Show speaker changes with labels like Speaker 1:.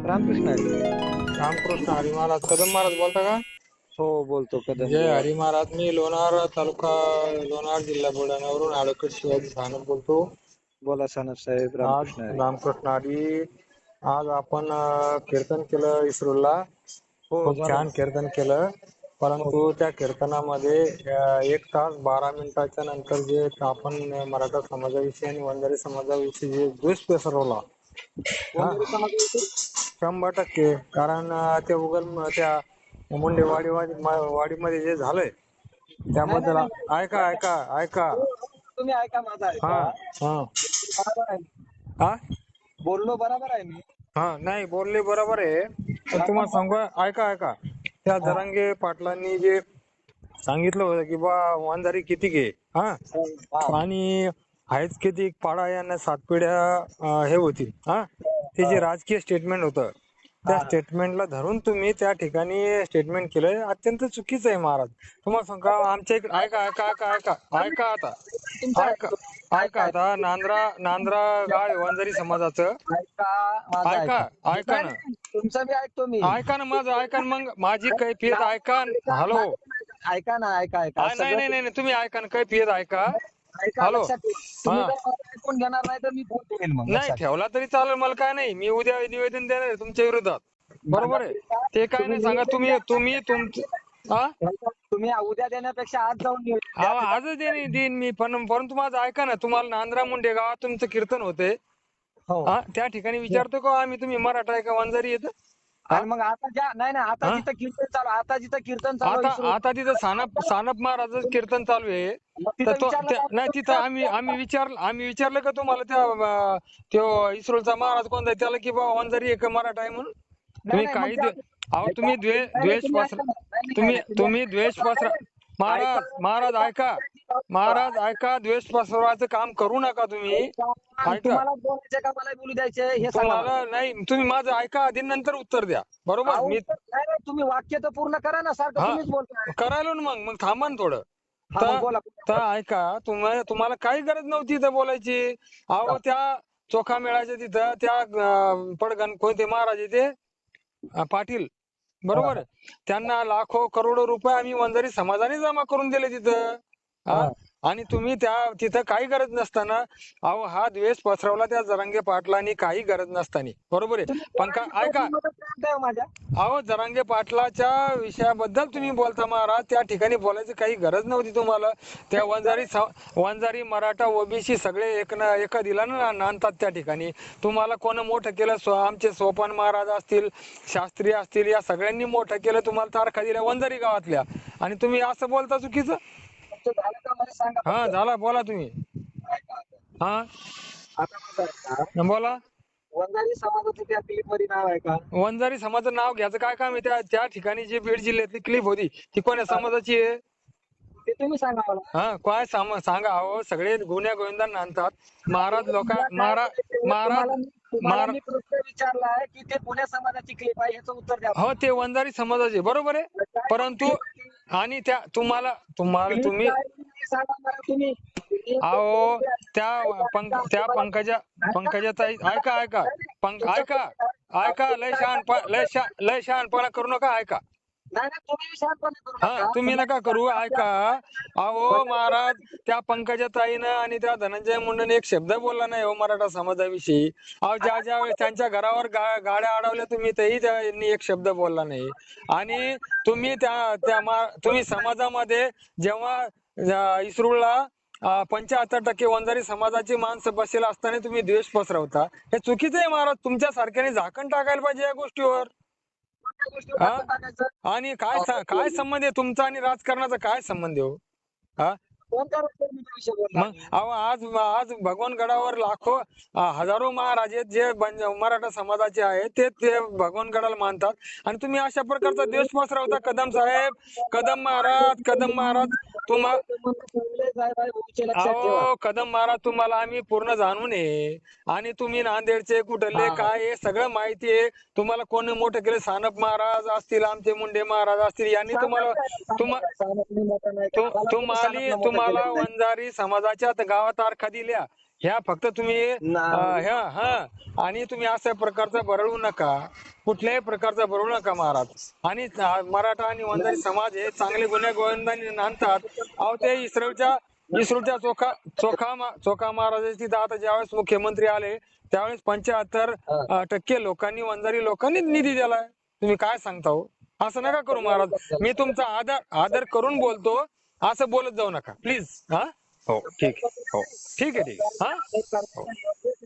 Speaker 1: रामकृष्ण हरी.
Speaker 2: रामकृष्ण हरी महाराज कदम महाराज बोलता का?
Speaker 1: हो, बोलतो कदम
Speaker 2: जय
Speaker 1: बुवा.
Speaker 2: हरी महाराज. मी लोणार तालुका लोणार जिल्हा बुलढाण्यावरून ॲडव्होकेट शिवाजी सानप बोलतो.
Speaker 1: बोला सानप साहेब.
Speaker 2: आज
Speaker 1: रामकृष्ण हरी.
Speaker 2: रामकृष्ण हरी. आज आपण कीर्तन केलं इस्रोला.
Speaker 1: हो,
Speaker 2: खूप
Speaker 1: झालं
Speaker 2: छान
Speaker 1: ना.
Speaker 2: कीर्तन केलं.
Speaker 1: हो.
Speaker 2: परंतु त्या कीर्तनामध्ये 1 तास 12 मिनिटाच्या नंतर जे आपण मराठा समाजाविषयी आणि वंजारी समाजाविषयी जे द्वेष पसरवला, हा,
Speaker 1: वंजारी समाजाविषयी
Speaker 2: 100% कारण ते त्या मुंडे वाडीमध्ये जे झालंय
Speaker 1: नाही नाही
Speaker 2: त्याबद्दल
Speaker 1: नाही नाही.
Speaker 2: ऐका ऐका ऐका.
Speaker 1: हो, हो, तुम्ही ऐका, माझा
Speaker 2: हा
Speaker 1: ऐका.
Speaker 2: हा
Speaker 1: बरोबर आहे.
Speaker 2: हा
Speaker 1: बोललो बरोबर आहे मी.
Speaker 2: हा नाही बोलले बरोबर आहे. पण
Speaker 1: हा,
Speaker 2: तुम्हाला
Speaker 1: मग
Speaker 2: सांगू, ऐका ऐका. त्या
Speaker 1: हा,
Speaker 2: जरांगे पाटलांनी जे सांगितलं होतं की बा वंजारी किती घे, हा,
Speaker 1: हा,
Speaker 2: आणि आहेच किती पाडा यांना 7 पिढ्या हे होतील, हा, ते
Speaker 1: हा,
Speaker 2: जे राजकीय स्टेटमेंट होतं त्या
Speaker 1: हा.
Speaker 2: स्टेटमेंटला धरून तुम्ही त्या ठिकाणी स्टेटमेंट केलंय, अत्यंत चुकीचं आहे महाराज. तुम्हाला सांगा आमच्या इकडे ऐका ऐका ऐका ऐका ऐका आता.
Speaker 1: तुमचं
Speaker 2: ऐका
Speaker 1: ऐकतो.
Speaker 2: ऐका
Speaker 1: ऐका
Speaker 2: आता. नांद्रा गाव आहे वंजारी समाजाचं.
Speaker 1: ऐका, माझं
Speaker 2: ऐका
Speaker 1: ऐका.
Speaker 2: ऐका
Speaker 1: नाही
Speaker 2: ना.
Speaker 1: नाही, तुमचं बी ऐकतो मी.
Speaker 2: ऐका ना माझं, ऐका ना मग माझी कैफियत ऐका.
Speaker 1: ऐका,
Speaker 2: हॅलो.
Speaker 1: माझं पण ऐका. ऐका ना, ऐका ऐका
Speaker 2: नाही
Speaker 1: सगळं
Speaker 2: नाही नाही नाही, तुम्ही ऐका ना, कैफियत ऐका.
Speaker 1: ऐका,
Speaker 2: हॅलो.
Speaker 1: लक्षात ठेवा. तुम्ही
Speaker 2: हा,
Speaker 1: जर मला ऐकून घेणार नाही तर मी फोन ठेवेल, मग
Speaker 2: नाही
Speaker 1: लक्षात
Speaker 2: ठेवला तरी चालेल, मला काय नाही. मी उद्या निवेदन देणार आहे तुमच्या विरोधात.
Speaker 1: ठेवा. माझा
Speaker 2: बरोबर आहे. ते काय
Speaker 1: तुम्ही
Speaker 2: नाही सांगा.
Speaker 1: निवेदन
Speaker 2: तुम्ही
Speaker 1: द्या.
Speaker 2: तुम्ही तुमचं, हा,
Speaker 1: तुम्ही उद्या देण्यापेक्षा आज जाऊन निवेदन द्या.
Speaker 2: अहो, आजच देईन मी. पण परंतु माझं ऐका ना. तुम्हाला नांद्रा मुंडे गावात तुमचं कीर्तन होते,
Speaker 1: हो.
Speaker 2: हा, त्या ठिकाणी विचारतो का आम्ही तुम्ही मराठा आहे का वंजारी येत, हा
Speaker 1: आणि मग आता नाही नाही, आता
Speaker 2: हा.
Speaker 1: जिथं कीर्तन चालू, आता जिथं कीर्तन चालू आहे
Speaker 2: आता
Speaker 1: इस्रो,
Speaker 2: आता तिथं सानप महाराजच कीर्तन चालू आहे.
Speaker 1: मग
Speaker 2: तर
Speaker 1: तिथं विचारलं का
Speaker 2: नाही, तिथं आम्ही विचारलं का तुम्हाला त्यो इस्रोलचा महाराज कोणता आहे त्याला, की बाबा वंजारी एक मराठा आहे म्हणून?
Speaker 1: नाही
Speaker 2: तुम्ही
Speaker 1: नाही, मग
Speaker 2: काही
Speaker 1: त्या
Speaker 2: अहो,
Speaker 1: ऐका.
Speaker 2: तुम्ही
Speaker 1: नाही नाही,
Speaker 2: द्वेष
Speaker 1: तुम्ही
Speaker 2: पसरा.
Speaker 1: ऐका ना. नाही नाही नाही
Speaker 2: तुम्ही
Speaker 1: नाही, तुम्ही
Speaker 2: तुम्ही द्वेष
Speaker 1: नाही,
Speaker 2: पसरा.
Speaker 1: नाही. ऐका
Speaker 2: महाराज ऐका. महाराज ऐका, द्वेष पसरवायचं काम करू नका तुम्ही.
Speaker 1: ऐका.
Speaker 2: ऐका.
Speaker 1: तुम्हाला बोलायचं का मला बोलू द्यायचे हे सांगा मला.
Speaker 2: तुम्हाला नाही, तुम्ही माझं ऐका आधी, नंतर उत्तर द्या. बरोबर
Speaker 1: अहो,
Speaker 2: मी.
Speaker 1: नाही नाही, तुम्ही वाक्य तर पूर्ण करा ना, सारखं
Speaker 2: हा,
Speaker 1: तुम्हीच बोलताय.
Speaker 2: करायलो ना. मग थांबा ना थोडं.
Speaker 1: हा, मग
Speaker 2: तर
Speaker 1: बोला.
Speaker 2: तर ऐका. तुम्हाला काही गरज नव्हती इथं बोलायची. अहो, त्या चोखा मेळाच्या तिथं त्या पडगण कोणते महाराज आहे ते, पाटील, बरोबर आहे. त्यांना लाखो करोडो रुपये आम्ही वंजारी समाजाने जमा करून दिले तिथं, हा.
Speaker 1: हा.
Speaker 2: आणि तुम्ही तिथं काही गरज नसताना, अहो, हा द्वेष पसरवला त्या जरांगे पाटलांनी काही गरज नसताना, बरोबर आहे.
Speaker 1: तुम्ही
Speaker 2: पण
Speaker 1: बोलायची
Speaker 2: ऐका.
Speaker 1: पहिली मदत करताय माझ्या.
Speaker 2: अहो, जरांगे पाटलाच्या विषयाबद्दल तुम्ही बोलता महाराज, त्या ठिकाणी बोलायची काही गरज नव्हती तुम्हाला. त्या वंजारी मराठा ओबीसी सगळे एका दिलानं नांदतात त्या ठिकाणी. तुम्हाला कोण मोठं केलं? आमचे सोपान महाराज असतील, शास्त्री असतील, या सगळ्यांनी मोठं केलं. तुम्हाला तारखा दिल्या वंजारी गावातल्या, आणि तुम्ही असं बोलता चुकीचं.
Speaker 1: तुमचं झालं का मला सांगा
Speaker 2: हा,
Speaker 1: फक्त.
Speaker 2: झाला. बोला तुम्ही.
Speaker 1: ऐका आता.
Speaker 2: हा,
Speaker 1: आता माझं ऐका.
Speaker 2: बोला.
Speaker 1: वंजारी समाजाचं त्या क्लिप मध्ये नाव आहे का?
Speaker 2: वंजारी समाजाचं नाव घ्यायचं काय काम आहे? त्या ठिकाणी जी बीड जिल्ह्यातली क्लिप होती ती कोण्या
Speaker 1: हा,
Speaker 2: समाजाची आहे?
Speaker 1: ते तुम्ही सांगा मला.
Speaker 2: हा, काय सांगा. अहो, सगळे गुन्ह्या गोविंदांना आणतात महाराज.
Speaker 1: मला काय म्हणायचंय,
Speaker 2: महाराज
Speaker 1: तुम्हाला
Speaker 2: महाराज
Speaker 1: मी प्रश्न विचारलाय की ते पुण्या समाजाची क्लिप आहे, याचं उत्तर द्या
Speaker 2: हो,
Speaker 1: मला.
Speaker 2: ते वंजारी समाजाचे बरोबर आहे.
Speaker 1: काय मग
Speaker 2: परंतु
Speaker 1: क्लिप आहे ती?
Speaker 2: आणि त्या
Speaker 1: क्लिप
Speaker 2: तुम्ही,
Speaker 1: काय आहे ते सांगा मला तुम्ही.
Speaker 2: अहो, त्या
Speaker 1: तुम्हाला
Speaker 2: पंकजा ताई, ऐका ऐका.
Speaker 1: तुमचा
Speaker 2: ऐका ऐका. लय शहाणपणा करू नका. ऐका.
Speaker 1: नाही नाही, तुम्ही शांतपणे करू
Speaker 2: हा,
Speaker 1: नका.
Speaker 2: तुम्ही नका करू. ऐका. अहो महाराज, त्या पंकजा ताईनं आणि त्या धनंजय मुंडेने एक शब्द बोलला नाही हो मराठा समाजाविषयी. अहो, ज्या वेळेस त्यांच्या घरावर गाड्या अडवल्या तुम्ही, तेही त्यांनी एक शब्द बोलला नाही. आणि तुम्ही समाजामध्ये जेव्हा इस्रूळला 75% वंजारी समाजाची माणसं बसेल असताना तुम्ही द्वेष पसरवता, हे चुकीचं आहे महाराज. तुमच्या सारख्याने झाकण टाकायला पाहिजे या गोष्टीवर.
Speaker 1: कोणत्या गोष्टीवर
Speaker 2: हा,
Speaker 1: दाखवून टाकायचं?
Speaker 2: आणि काय संबंध आहे तुमचा आणि राजकारणाचा? काय संबंध आहे हो? हा,
Speaker 1: कोणत्या रस्त्यावर विषय बोलला
Speaker 2: मग
Speaker 1: मी?
Speaker 2: अहो, आज भगवानगडावर लाखो हजारो महाराज आहेत जे मराठा समाजाचे आहेत, ते भगवानगडाला मानतात, आणि तुम्ही अशा प्रकारचा द्वेष पसरवता. कदम साहेब, कदम महाराज तुम्हा
Speaker 1: लक्षात ठेवा.
Speaker 2: अहो, कदम महाराज तुम्हाला आम्ही पूर्ण जाणून आहे. आणि तुम्ही नांदेडचे कुठले
Speaker 1: हा.
Speaker 2: काय हे सगळं माहिती आहे. तुम्हाला कोणी मोठं केलं? सानप महाराज असतील, आमचे मुंडे महाराज असतील, यांनी तुम्हाला तुम्हाला वंजारी समाजाच्या गावात तारखा दिल्या. ह्या फक्त तुम्ही ह्या आणि तुम्ही अशा प्रकारचा बरळू नका, कुठल्याही प्रकारचा बरळू नका महाराज. आणि मराठा आणि वंजारी समाज हे चांगले गुन्हे गोविंदाने नांदतात. अहो ते इस्रोच्या चोखा महाराजांची तिथं आता ज्यावेळेस मुख्यमंत्री आले त्यावेळेस 75% लोकांनी वंजारी लोकांनी निधी दिलाय. तुम्ही काय सांगता हो? असं नका करू महाराज. मी तुमचा आदर करून बोलतो, असं बोलत जाऊ नका प्लीज. हा हो ठीक आहे. हो ठीक आहे. हा हो.